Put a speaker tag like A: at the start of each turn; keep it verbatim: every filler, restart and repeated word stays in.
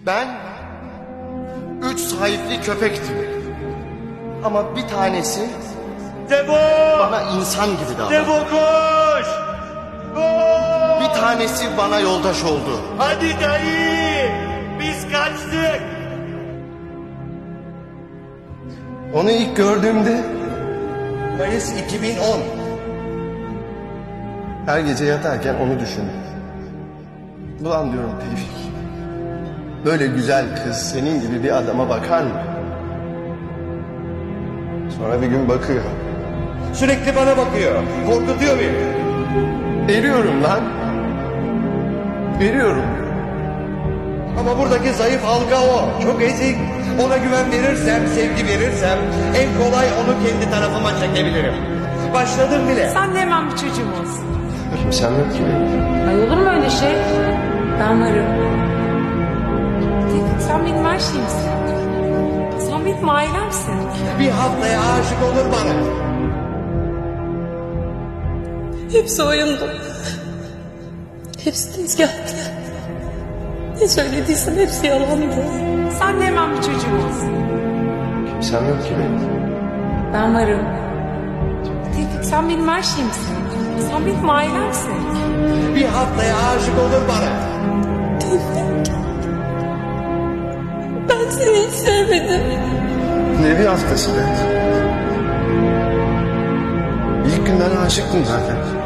A: Ben üç sahipli köpektim. Ama bir tanesi
B: Devo!
A: bana insan gibi davrandı.
B: Devo koş! Koş!
A: Bir tanesi bana yoldaş oldu.
B: Hadi dayı! Biz kaçtık!
A: Onu ilk gördüğümde Mayıs iki bin on. Her gece yatarken onu düşündüm. Ulan diyorum Tevfik. Böyle güzel kız senin gibi bir adama bakar mı? Sonra bir gün bakıyor.
B: Sürekli bana bakıyor. Korkutuyor beni.
A: Veriyorum lan. Veriyorum.
B: Ama buradaki zayıf halka o. Çok ezik. Ona güven verirsem, sevgi verirsem en kolay onu kendi tarafıma çekebilirim. Başladım bile.
C: Sen de hemen bir çocuğum olsun.
A: Kimsem yok ki benim.
C: Ay olur mu öyle şey? Ben varım. Tevfik, sen benim her şeyimsin. Sen benim ailemsin.
B: Bir haftaya aşık olur bana.
D: Hepsi oyundu. Hepsi tezgahtı. Ne söylediysen hepsi yalandı.
C: Sen de hemen bir çocuğum olsun.
A: Kimsem yok ki benim.
C: Ben varım. Tevfik, sen benim her şeyimsin. Sen benim ailemsin.
B: Bir haftaya aşık olur bana.
D: Ben seni hiç sevmedim.
A: Ne bir haftası be. İlk günden aşıktım zaten.